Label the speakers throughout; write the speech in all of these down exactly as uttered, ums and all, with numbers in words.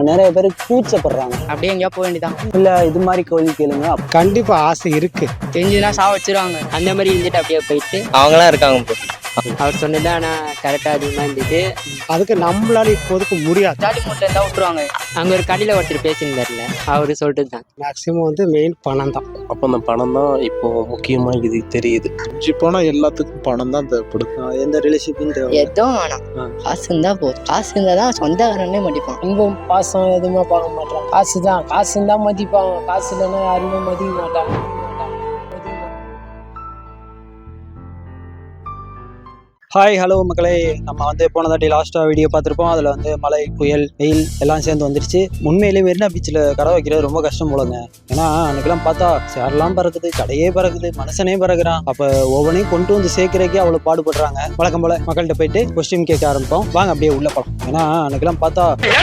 Speaker 1: நிறைய பேர் கூச்சப்படுறாங்க.
Speaker 2: அப்படியே எங்கேயா போக வேண்டியதான்.
Speaker 1: இல்ல இது மாதிரி கேள்வி கேளுங்க.
Speaker 3: கண்டிப்பா ஆசை இருக்கு.
Speaker 2: தெரிஞ்சுன்னா சா வச்சிருவாங்க. அந்த மாதிரி இருந்துட்டு அப்படியே போயிட்டு
Speaker 4: அவங்களாம் இருக்காங்க.
Speaker 2: அவர் சொன்னது ஆனால் கரெக்டாக அதிகமாக இருந்துட்டு
Speaker 3: அதுக்கு நம்மளால இப்போதுக்கு முடியாது.
Speaker 2: ஜாலி மூட்டில் இருந்தால் விட்டுருவாங்க. அங்கே ஒரு கடையில் ஒருத்தர் பேசியிருந்தார்ல, அவரு சொல்லிட்டு தான்
Speaker 3: மேக்சிமம் வந்து மெயின் பணம் தான்.
Speaker 5: அப்போ அந்த பணம் தான் இப்போ முக்கியமா இது தெரியுது.
Speaker 6: அஞ்சு போனால் எல்லாத்துக்கும் பணம் தான் தேவைப்படுது.
Speaker 1: எந்த ரிலேஷன்ஷிப்பும் தேவை
Speaker 2: எதுவும் வேணாம், காசு இருந்தால் போதும். காசு இருந்தால் தான் சொந்தக்காரனே மதிப்பான்.
Speaker 7: அன்பும் பாசம் எதுவுமே பார்க்க மாட்டாங்க. காசு தான், காசு இருந்தால் மதிப்பாங்க. காசு இல்லைன்னா யாருமே மதிக்க மாட்டாங்க.
Speaker 1: ஹாய் ஹலோ மக்களே, நம்ம வந்து போன தாட்டி லாஸ்ட்டாக வீடியோ பார்த்துருப்போம். அதில் வந்து மழை புயல் வெயில் எல்லாம் சேர்ந்து வந்துருச்சு. உண்மையிலேயே மெரினா பீச்சில் கடை வைக்கிறது ரொம்ப கஷ்டம் போலங்க. ஏன்னா அன்றைக்கெல்லாம் பார்த்தா சேரெல்லாம் பறக்குது, கடையே பறக்குது, மனுஷனே பறக்குறான். அப்போ ஒவ்வொன்றையும் கொண்டு வந்து சேர்க்கறக்கே அவ்வளோ பாடுபடுறாங்க. வழக்கம் போல மக்கள்கிட்ட போயிட்டு கொஸ்டின் கேட்க ஆரம்பிப்போம். வாங்க அப்படியே உள்ள போகலாம். ஏன்னா அன்றைக்கெல்லாம் பார்த்தா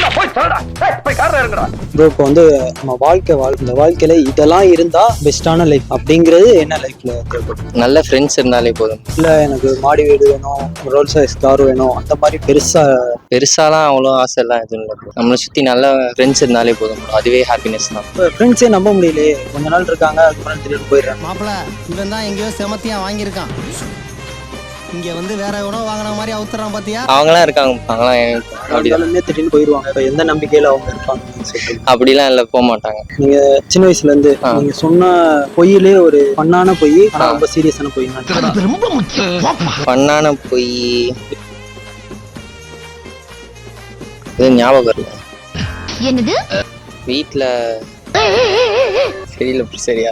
Speaker 1: ப்ரோ இப்போ வந்து நம்ம வாழ்க்கை வாழ் இந்த வாழ்க்கையில இதெல்லாம் இருந்தால் பெஸ்ட்டான லைஃப் அப்படிங்கிறது என்ன லைஃப்ல தேவைப்படும்?
Speaker 4: நல்ல ஃப்ரெண்ட்ஸ் இருந்தாலே போதும்.
Speaker 1: இல்லை எனக்கு மாடி வீடு வேணும், ரோல்ஸ் ராய்ஸ் கார் வேணும், அந்த மாதிரி பெருசா
Speaker 4: பெருசாலாம் அவ்வளோ ஆசை எல்லாம் எதுவும் இல்லை. நம்மளை சுற்றி நல்ல ஃப்ரெண்ட்ஸ் இருந்தாலே போதும், அதுவே ஹாப்பினஸ் தான்.
Speaker 1: ஃப்ரெண்ட்ஸே நம்ப முடியலையே. கொஞ்ச நாள் இருக்காங்க, அதுக்கப்புறம் திடீர்னு போயிடுறாங்க.
Speaker 8: மாப்பிள்ள இவன் தான் எங்கேயோ செமத்தியா வாங்கியிருக்கான், இங்க வந்து வேற எவனோ வாங்கின மாதிரி அவுத்துறான் பாத்தியா.
Speaker 4: அவங்களாம் இருக்காங்க, அவங்களாம்
Speaker 1: அப்படியே திடீர்னு போயிடுவாங்க. எந்த நம்பிக்கையில அவங்க இருப்பாங்க?
Speaker 4: அப்படிலாம் இல்லை, போக மாட்டாங்க.
Speaker 1: நீங்க சின்ன வயசுல இருந்து நீங்க சொன்ன பொய்யிலே ஒரு பண்ணான பொய், ரொம்ப சீரியஸான பொய்.
Speaker 8: ரொம்ப முக்கியம்.
Speaker 4: பண்ணான பொய் இது ஞாபகம் வரல.
Speaker 9: என்னது?
Speaker 4: வீட்டில் தெரியல சரியா.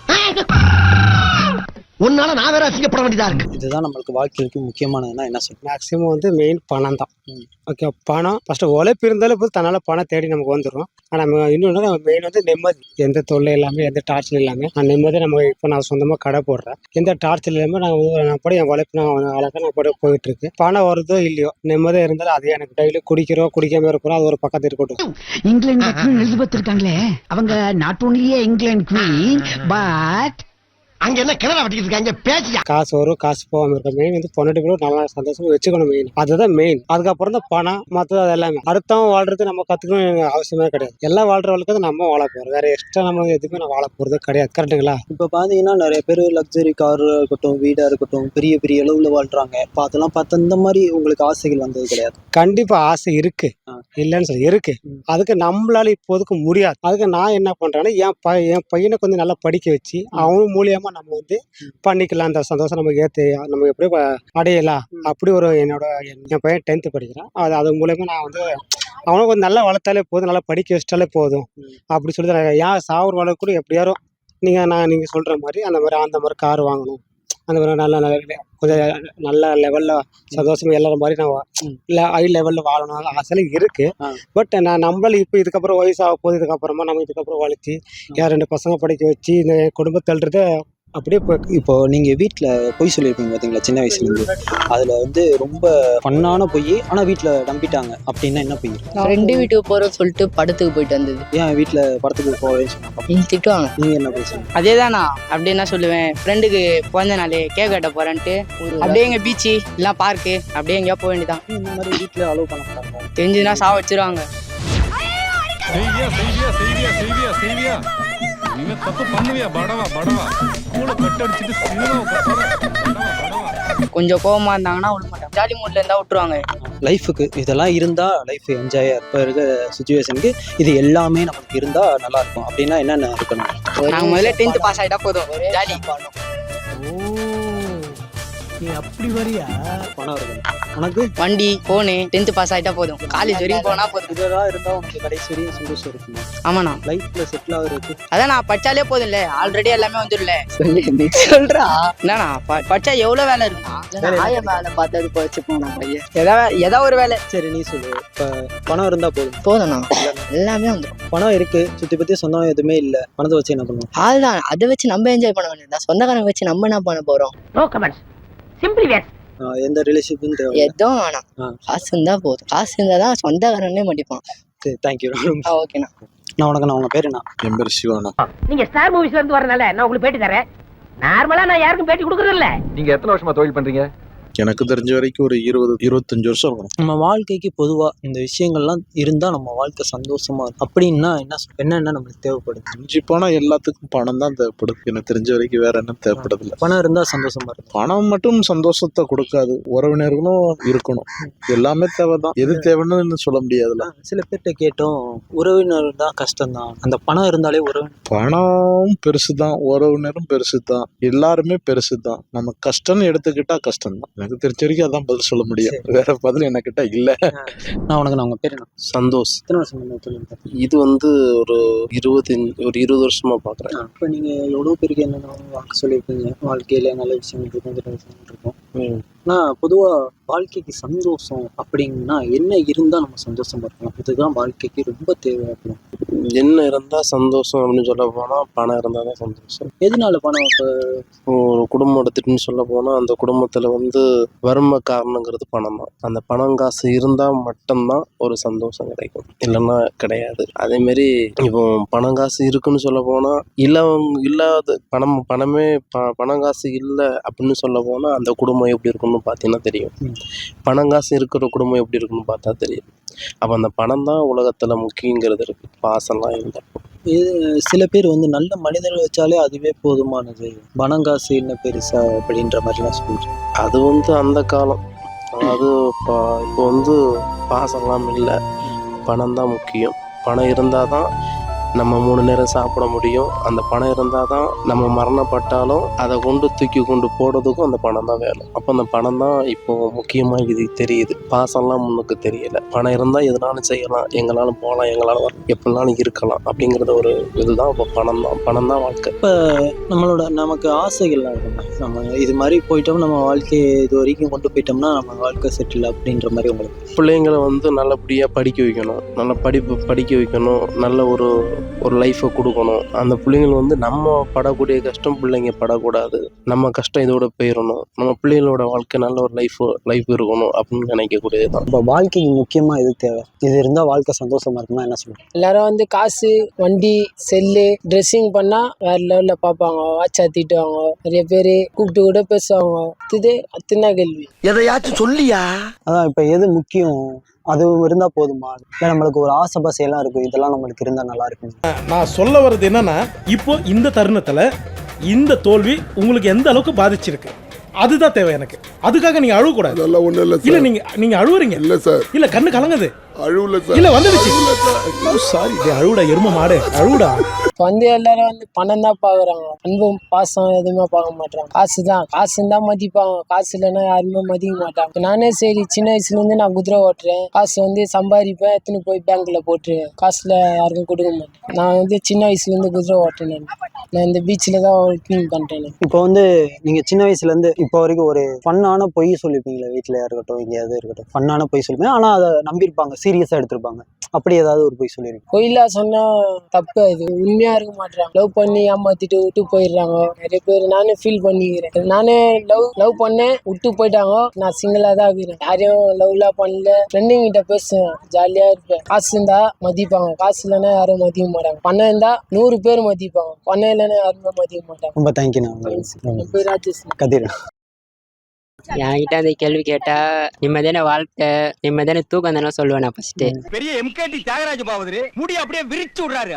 Speaker 8: உன்னால நான் வேற அசிங்கப்பட வேண்டியதா இருக்கு.
Speaker 1: இதுதான் நம்மளுக்கு வாழ்க்கைக்கு முக்கியமானதுன்னா என்ன சொல்றேன்?
Speaker 3: மேக்சிமம் வந்து மெயின் பணம் தான். ஓகே, பணம் ஃபர்ஸ்ட் உழைப்பு இருந்தாலும் போது தன்னால பணம் தேடி நமக்கு வந்துடும். ஆனால் இன்னொன்று நம்ம மெயின் வந்து நிம்மதி. எந்த தொல்லை இல்லாமல், எந்த டார்ச்சர் இல்லாமல் நான் நிம்மதி. நம்ம இப்போ நான் சொந்தமாக கடை போடுறேன், எந்த டார்ச்சர் இல்லாமல் நான் நான் படம் என் உழைப்பு நான் அழகாக நான் படம் போயிட்டு இருக்கு. பணம் வருதோ இல்லையோ, நிம்மதியாக இருந்தாலும் அது எனக்கு டெய்லி குடிக்கிறோம் குடிக்காம இருக்கிறோம், அது ஒரு பக்கத்து இருக்கட்டும்.
Speaker 9: இங்கிலாந்து குவீன் எலிசபெத் இருக்காங்களே, அவங்க நாட் ஓன்லியே இங்கிலாந்து குவீன் பட்
Speaker 8: அங்க என்ன கிணறு வட்டிக்கிட்டு இருக்காங்க பேசியா.
Speaker 3: காசு வரும், காசு போகாம இருக்க மெயின் வந்து பொண்ணு கூட நல்லா சந்தோஷமா வச்சுக்கணும் மெயின். அதுதான் மெயின். அதுக்கப்புறம் தான் பணம், மற்றது அது எல்லாமே. அடுத்தவங்க வாழ்றது நம்ம கத்துக்கணும் அவசியமே கிடையாது. எல்லாம் வாழ்ற வாழ்க்கை நம்ம வாழ போறோம், வேற எக்ஸ்ட்ரா நம்ம எதுவுமே நான் வாழ போறது கிடையாது. கரெக்டுங்களா?
Speaker 1: இப்போ பாத்தீங்கன்னா நிறைய பேர் லக்ஸரி கார் இருக்கட்டும், வீடா இருக்கட்டும், பெரிய பெரிய அளவுல வாழ்றாங்க. இப்போ அதெல்லாம் பார்த்து இந்த மாதிரி உங்களுக்கு ஆசைகள் வந்தது கிடையாது?
Speaker 3: கண்டிப்பா ஆசை இருக்கு, இல்லைன்னு சொல்லி இருக்கு. அதுக்கு நம்மளால இப்போதுக்கு முடியாது. அதுக்கு நான் என்ன பண்றேன்னா, என் பை என் பையனை கொஞ்சம் நல்லா படிக்க வச்சு அவன் மூலியமா நம்ம வந்து பண்ணிக்கலாம். அந்த சந்தோஷம் நமக்கு ஏற்று நம்ம எப்படி அடையலாம். அப்படி ஒரு என்னோட என் பையன் டென்த்து படிக்கிறான். அது அது மூலயமா நான் வந்து அவனை கொஞ்சம் நல்லா வளர்த்தாலே போதும், நல்லா படிக்க வச்சிட்டாலே போதும் அப்படி சொல்லி தான். ஏன் சாவர் வளர்க்க கூட எப்படியாரும் நீங்கள் நான் நீங்கள் சொல்கிற மாதிரி அந்த மாதிரி அந்த மாதிரி கார் வாங்கணும், அந்த மாதிரி நல்ல நல்ல கொஞ்சம் நல்ல லெவலில் சந்தோஷமா எல்லாரும் மாதிரி நான் இல்லை ஹை லெவலில் வாழணும் ஆசைலாம் இருக்குது. பட் நான் நம்மளால இப்போ இதுக்கப்புறம் வயசாக போகுது, இதுக்கப்புறமா நம்ம இதுக்கப்புறம் வளர்ச்சி என் ரெண்டு பசங்க படிக்க வச்சு இந்த குடும்பத்தல்றத அப்படியே போய்.
Speaker 1: இப்போ நீங்க வீட்டுல பொய் சொல்லியிருப்பீங்க பாத்தீங்களா சின்ன வயசுல இருந்து, அதுல வந்து ரொம்ப பண்ணான பொய் ஆனா வீட்டுல நம்பிட்டாங்க அப்படின்னா என்ன பொய்?
Speaker 2: ஃப்ரெண்டு வீட்டுக்கு போறோம் சொல்லிட்டு படத்துக்கு போயிட்டு வந்தது.
Speaker 1: ஏன் வீட்டுல படத்துக்கு போவேன்னு சொன்னாங்க,
Speaker 2: திட்டுவாங்க.
Speaker 1: நீங்க என்ன பேசுறீங்க?
Speaker 2: அதே தானா அப்படி என்ன சொல்லுவேன், ஃப்ரெண்டுக்கு பிறந்த நாள் கேக் கட்ட போறேன்ட்டு அப்படியே எங்க பீச்சு இல்லை பார்க்கு அப்படியே எங்கேயா போக வேண்டியதான்.
Speaker 1: இந்த மாதிரி வீட்டுல அலோவ் பண்ண மாட்டாங்க.
Speaker 2: தெரிஞ்சுன்னா சா வச்சிருவாங்க. கொஞ்சம் கோவமா இருந்தாங்கன்னா விட மாட்டாங்க, ஜாலி மூட்ல இருந்தா விட்டுருவாங்க.
Speaker 1: லைஃபுக்கு இதெல்லாம் இருந்தா லைஃப் என்ஜாயா இப்போ இருக்க சுச்சுவேஷனுக்கு இது எல்லாமே நமக்கு இருந்தா நல்லா இருக்கும் அப்படின்னா என்னென்ன இருக்கணும்?
Speaker 2: நாங்க முதல்ல டென்த் பாஸ் ஆயிட்டா போதும், ஜாலி.
Speaker 8: அப்படி வரியா?
Speaker 1: பணம் இருக்கணும், உனக்கு
Speaker 2: வண்டி போனு டென்த் பாஸ் ஆயிட்டா போதும், காலேஜ் வரைக்கும் போனா போதும்.
Speaker 1: இதெல்லாம் இருந்தா உனக்கு கடைசி வரையும் சந்தோஷம் இருக்குமா?
Speaker 2: ஆமாண்ணா,
Speaker 1: லைஃப்ல செட்டில் ஆகுறதுக்கு
Speaker 2: அதான் நான் படிச்சாலே போதும் இல்ல, ஆல்ரெடி எல்லாமே வந்துடல. சொல்றா என்னண்ணா படிச்சா எவ்வளவு வேலை இருக்குண்ணா? ஆய வேலை பார்த்தது போச்சு போனா பையன், ஏதாவது ஏதாவது ஒரு வேலை.
Speaker 1: சரி நீ சொல்லு. இப்ப பணம் இருந்தா போதும்
Speaker 2: போதும்ண்ணா, எல்லாமே வந்துடும்.
Speaker 1: பணம் இருக்கு, சுத்தி பத்தி சொந்தம் எதுவுமே இல்ல, பணத்தை வச்சு என்ன பண்ணுவோம்?
Speaker 2: அதுதான், அதை வச்சு நம்ம என்ஜாய் பண்ண வேண்டியதா. சொந்தக்காரங்க வச்சு நம்ம என்ன பண்ண போறோம்?
Speaker 9: No comments, simply where.
Speaker 1: எந்த ரிலேஷன்ஷிப்பும் தேவை
Speaker 2: எதுவும் வேணாம், காசு இருந்தா போதும். காசு இருந்தாதான் சொந்தக்காரனே மதிப்பான்.
Speaker 1: சரி, தேங்க்யூ.
Speaker 2: ஓகேண்ணா.
Speaker 1: நான் உனக்கு நான் உங்க பேரு என்ன?
Speaker 6: என் பேர் சிவானா.
Speaker 9: நீங்க ஸ்டார் மூவிஸ்ல இருந்து வரனால நான் உங்களுக்கு பேட்டி தரேன். நார்மலா நான் யாருக்கும் பேட்டி கொடுக்கறது இல்ல.
Speaker 10: நீங்க எத்தனை வருஷமா தொழில் பண்றீங்க?
Speaker 6: எனக்கு தெரிஞ்ச வரைக்கும் ஒரு இருபது இருபத்தஞ்சு வருஷம் இருக்கணும்.
Speaker 1: நம்ம வாழ்க்கைக்கு பொதுவா இந்த விஷயங்கள்லாம் இருந்தா நம்ம வாழ்க்கை சந்தோஷமா இருக்கும் அப்படின்னா என்ன சொல்- என்னென்ன நம்மளுக்கு தேவைப்படுது?
Speaker 6: மிஞ்சி போனா எல்லாத்துக்கும் பணம் தான் தேவைப்படுது. எனக்கு தெரிஞ்ச வரைக்கும் வேற என்ன தேவைப்படுது இல்லை.
Speaker 1: பணம் இருந்தா சந்தோஷமா இருக்கும்.
Speaker 6: பணம் மட்டும் சந்தோஷத்தை கொடுக்காது, உறவினர்களும் இருக்கணும். எல்லாமே தேவைதான். எது தேவைன்னு சொல்ல முடியாதுல்ல.
Speaker 1: சில பேர்கிட்ட கேட்டோம், உறவினர் தான் கஷ்டம் தான், அந்த பணம் இருந்தாலே உறவு.
Speaker 6: பணம் பெருசு தான், உறவினரும் பெருசு தான், எல்லாருமே பெருசு தான். நம்ம கஷ்டம்னு எடுத்துக்கிட்டா கஷ்டம் தான். எனக்கு தெரிஞ்ச வரைக்கும் அதான் பதில் சொல்ல முடியும். வேற பதில் என்கிட்ட இல்ல.
Speaker 1: நான் உனக்கு நான் உங்க பேர் என்ன?
Speaker 5: சந்தோஷ்.
Speaker 1: எத்தனை வருஷம் முன்ன தொழில் பார்த்தீங்க?
Speaker 5: இது வந்து ஒரு இருபது ஒரு இருபது வருஷமா பாக்குறேன்.
Speaker 1: இப்போ நீங்க எவ்வளவு பேருக்கு என்னென்ன வாக்கு சொல்லியிருப்பீங்க, வாழ்க்கையில நல்ல விஷயங்கள் இருக்கும், கெட்ட விஷயங்கள் இருக்கும்.
Speaker 5: ம்.
Speaker 1: ஆனால் பொதுவா வாழ்க்கைக்கு சந்தோஷம் அப்படின்னா என்ன இருந்தா நம்ம சந்தோஷமா இருக்கலாம்? இதுதான் வாழ்க்கைக்கு ரொம்ப தேவை அப்படின்னு.
Speaker 5: என்ன இருந்தா சந்தோஷம் அப்படின்னு சொல்ல போனா பணம் இருந்தா தான் சந்தோஷம்.
Speaker 1: எதனால பணம்? இப்போ
Speaker 5: இப்போ ஒரு குடும்பம் எடுத்துட்டுன்னு சொல்ல போனா அந்த குடும்பத்துல வந்து வறுமை காரணங்கிறது பணம் தான். அந்த பணம் காசு இருந்தா மட்டும்தான் ஒரு சந்தோஷம் கிடைக்கும், இல்லைன்னா கிடையாது. அதே மாதிரி இப்போ பணம் காசு இருக்குன்னு சொல்ல போனா இல்லவங்க இல்லாத பணம் பணமே ப பணம் காசு இல்லை அப்படின்னு சொல்ல போனா அந்த குடும்பம் எப்படி இருக்குன்னு பார்த்தீங்கன்னா தெரியும். பணம் காசு இருக்கிற குடும்பம் எப்படி இருக்குன்னு பார்த்தா தெரியும். அப்போ அந்த பணம் தான் உலகத்துல முக்கியங்கிறது இருக்கு, பாசம்லாம் இல்லை.
Speaker 1: இது சில பேர் வந்து நல்ல மனிதர்கள் வச்சாலே அதுவே போதுமானது, பணம் காசு என்ன பெருசா அப்படின்ற மாதிரிலாம் சொல்லிட்டு.
Speaker 5: அது வந்து அந்த காலம். அதாவது இப்போ இப்போ வந்து பாசம்லாம் இல்லை, பணம் தான் முக்கியம். பணம் இருந்தால் தான் நம்ம மூணு நேரம் சாப்பிட முடியும். அந்த பணம் இருந்தால் தான் நம்ம மரணப்பட்டாலும் அதை கொண்டு தூக்கி கொண்டு போடுறதுக்கும் அந்த பணம் தான் வேணும். அப்போ அந்த பணம் தான் இப்போ முக்கியமாக இது தெரியுது. பாசம்லாம் முன்னுக்கு தெரியல. பணம் இருந்தால் எதுனாலும் செய்யலாம், எங்களாலும் போகலாம், எங்களாலும் வரலாம், எப்படினாலும் இருக்கலாம் அப்படிங்கிறத ஒரு இதுதான் இப்போ பணம் தான். பணம் தான் வாழ்க்கை.
Speaker 1: இப்போ நம்மளோட நமக்கு ஆசைகள்லாம் இருக்குங்க, நம்ம இது மாதிரி போயிட்டோம், நம்ம வாழ்க்கையை இது வரைக்கும் கொண்டு போயிட்டோம்னா நம்ம வாழ்க்கை செட்டில் அப்படின்ற மாதிரி உங்களுக்கு?
Speaker 5: பிள்ளைங்களை வந்து நல்லபடியாக படிக்க வைக்கணும், நல்ல படிப்பு படிக்க வைக்கணும், நல்ல ஒரு ஒரு லைஃப்பை கொடுக்கணும். அந்த பிள்ளைங்கள் வந்து நம்ம படக்கூடிய கஷ்டம் பிள்ளைங்க படக்கூடாது, நம்ம கஷ்டம் இதோட போயிடணும், நம்ம பிள்ளைங்களோட வாழ்க்கை நல்ல ஒரு லைஃப் லைஃப் இருக்கணும் அப்படின்னு நினைக்கக்கூடியது தான்.
Speaker 1: இப்போ வாழ்க்கைக்கு முக்கியமாக இது தேவை, இது இருந்தால் வாழ்க்கை சந்தோஷமா இருக்குமா என்ன சொல்லுங்கள்?
Speaker 7: எல்லாரும் வந்து காசு, வண்டி, செல்லு, ட்ரெஸ்ஸிங் பண்ணா வேற லெவல்ல பார்ப்பாங்க, வாட்சா தீட்டுவாங்க, நிறைய பேர் கூப்பிட்டு கூட பேசுவாங்க. இது அத்தனை கேள்வி.
Speaker 8: எதையாச்சும் சொல்லியா?
Speaker 1: அதான் இப்போ எது முக்கியம், அது இருந்தால் போதுமா? இல்லை நம்மளுக்கு ஒரு ஆசை பாசையெல்லாம் இருக்கும், இதெல்லாம் நம்மளுக்கு இருந்தால் நல்லா இருக்கும்.
Speaker 10: நான் சொல்ல வர்றது என்னன்னா, இப்போ இந்த தருணத்துல இந்த தோல்வி உங்களுக்கு எந்த அளவுக்கு பாதிச்சிருக்கு அதுதான் தேவை எனக்கு. அதுக்காக நீங்க அழுவ கூடாது.
Speaker 11: அதெல்லாம் ஒண்ணும் இல்ல
Speaker 10: இல்ல
Speaker 11: சார்.
Speaker 10: நீங்க நீங்க அழுவுறீங்க.
Speaker 11: இல்ல சார்.
Speaker 10: இல்ல கண்ணு கலங்குது.
Speaker 11: அழுவல சார்.
Speaker 10: இல்ல வந்துடுச்சு. சாரி, அழுவுடா எரும மாடு, அழுவுடா.
Speaker 7: இப்போ வந்து எல்லாரும் வந்து பணம் தான் பார்க்குறாங்க, அன்பும் பாசம் எதுவுமே பார்க்க மாட்டாங்க. காசு தான், காசு இருந்தால் மதிப்பாங்க, காசு இல்லைன்னா யாருமே மதிக்க மாட்டாங்க. இப்போ நானே சரி சின்ன வயசுலேருந்து நான் குதிரை ஓட்டுறேன், காசு வந்து சம்பாதிப்பேன், எடுத்துன்னு போய் பேங்க்கில் போட்டுருவேன், காசில் யாருக்கும் கொடுக்க மாட்டேன். நான் வந்து சின்ன வயசுலேருந்து குதிரை ஓட்டுறேன். நான் இந்த பீச்சில் தான் ஒர்க்கிங் பண்ணுறேன்.
Speaker 1: இப்போ வந்து நீங்கள் சின்ன வயசுலேருந்து இப்போ வரைக்கும் ஒரு ஃபன்னான பொய் சொல்லியிருப்பீங்களா? வீட்டில் இருக்கட்டும், எங்கேயாவது இருக்கட்டும், ஃபன்னான பொய் சொல்லுவேன், ஆனால் அதை நம்பியிருப்பாங்க, சீரியஸாக எடுத்திருப்பாங்க. அப்படி ஏதாவது ஒரு பொய் சொல்லியிருக்கேன்?
Speaker 7: பொய்லா சொன்னால் தப்பு, அது உண்மையாக இருக்க மாட்டேறாங்க. லவ் பண்ணி ஏமாற்றிட்டு விட்டு போயிடுறாங்க நிறைய பேர். நானே ஃபீல் பண்ணிக்கிறேன். நானே லவ் லவ் பண்ணேன், விட்டு போயிட்டாங்க. நான் சிங்கிளாக தான் இருக்கிறேன், யாரையும் லவ்லாம் பண்ணல. ஃப்ரெண்டுங்க கிட்ட பேசுவேன், ஜாலியாக இருப்பேன். காசு இருந்தால் மதிப்பாங்க, காசு இல்லைன்னா யாரும் மதிக்க மாட்டாங்க. பணம் இருந்தால் நூறு பேர் மதிப்பாங்க, பணம் இல்லைன்னா யாருமே மதிக்க மாட்டாங்க.
Speaker 1: ரொம்ப தேங்க்யூ. நான்
Speaker 7: என் பேர் ராஜேஷ்.
Speaker 1: கதிர்.
Speaker 2: என்கிட்ட அந்த கேள்வி கேட்டா நிம்மதியான வாழ்க்கை, நிம்மதியான தூக்கம் தானே சொல்லுவேன் நான் ஃபர்ஸ்ட்.
Speaker 8: பெரிய எம்கேடி தியாகராஜ பாவதரு முடி அப்படியே விரிச்சு விடுறாரு.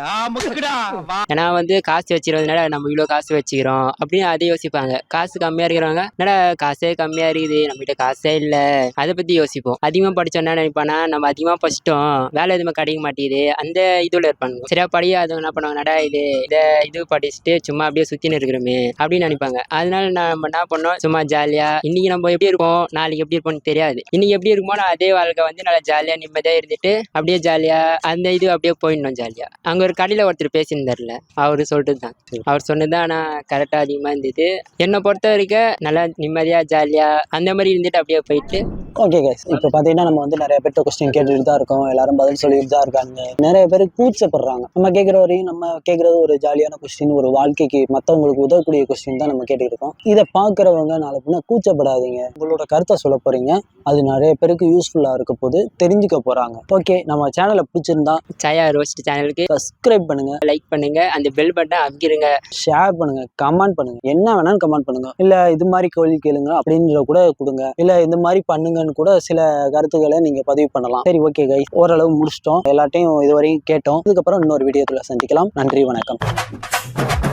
Speaker 2: ஏன்னா வந்து காசு வச்சிருந்ததுனால நம்ம இவ்வளோ காசு வச்சுக்கிறோம் அப்படின்னு அதை யோசிப்பாங்க. காசு கம்மியா இருக்கிறவங்க என்னடா காசே கம்மியா இருக்குது, நம்ம கிட்ட காசே இல்லை, அதை பத்தி யோசிப்போம். அதிகமா படிச்சோம் என்ன நினைப்பானா, நம்ம அதிகமா படிச்சிட்டோம், வேலை எதுவுமே கிடைக்க மாட்டேங்குது, அந்த இதுல இருப்பாங்க. சரியா படியாதவங்க என்ன பண்ணுவாங்க, நடா இது இந்த இது படிச்சுட்டு சும்மா அப்படியே சுத்தின்னு இருக்கிறோமே அப்படின்னு நினைப்பாங்க. அதனால நம்ம என்ன பண்ணோம், சும்மா ஜாலியா இன்னைக்கு நம்ம எப்படி இருப்போம் நாளைக்கு எப்படி இருப்போம்னு தெரியாது, இன்னைக்கு எப்படி இருக்குமோ அதே வாழ்க்கை வந்து நல்லா ஜாலியா நிம்மதியா இருந்துட்டு அப்படியே ஜாலியா அந்த இது அப்படியே போயிடணும் ஜாலியா. அங்க ஒரு கடையில ஒருத்தர் பேசியிருந்தார்ல, அவரு சொல்லிட்டு தான், அவர் சொன்னதுதான் ஆனா கரெக்டா அதிகமா இருந்தது. என்னை பொறுத்த வரைக்கும் நல்லா நிம்மதியா ஜாலியா அந்த மாதிரி இருந்துட்டு அப்படியே போயிட்டு.
Speaker 1: ஓகே கைஸ், இப்போ பார்த்தீங்கன்னா நம்ம வந்து நிறைய பேர்ட்ட கொஸ்டின் கேட்டுட்டு தான் இருக்கோம், எல்லாரும் பதில் சொல்லிட்டு தான் இருக்காங்க. நிறைய பேர் கூச்சப்படுறாங்க. நம்ம கேட்குற வரையும் நம்ம கேட்குறது ஒரு ஜாலியான கொஸ்டின், ஒரு வாழ்க்கைக்கு மற்றவங்களுக்கு உதவக்கூடிய கொஸ்டின் தான் நம்ம கேட்டுக்கிட்டு இருக்கோம். இதை பார்க்குறவங்க நாளை பின்ன கூச்சப்படாது, நினைக்காதீங்க. உங்களோட கருத்தை சொல்ல போறீங்க, அது நிறைய பேருக்கு யூஸ்ஃபுல்லா இருக்க போது, தெரிஞ்சுக்க போறாங்க. ஓகே, நம்ம சேனலை பிடிச்சிருந்தா
Speaker 2: சாயா ரோஸ்ட் சேனலுக்கு
Speaker 1: சப்ஸ்கிரைப் பண்ணுங்க,
Speaker 2: லைக் பண்ணுங்க, அந்த பெல் பட்டனை அமுக்கிடுங்க,
Speaker 1: ஷேர் பண்ணுங்க, கமெண்ட் பண்ணுங்க. என்ன வேணாலும் கமெண்ட் பண்ணுங்க. இல்ல இது மாதிரி கேள்வி கேளுங்க அப்படின்ற கூட கொடுங்க. இல்ல இந்த மாதிரி பண்ணுங்கன்னு கூட சில கருத்துக்களை நீங்க பதிவு பண்ணலாம். சரி, ஓகே கைஸ், ஓரளவு முடிச்சிட்டோம். எல்லாத்தையும் இதுவரையும் கேட்டோம். இதுக்கப்புறம் இன்னொரு வீடியோக்குள்ள சந்திக்கலாம். நன்றி, வணக்கம்.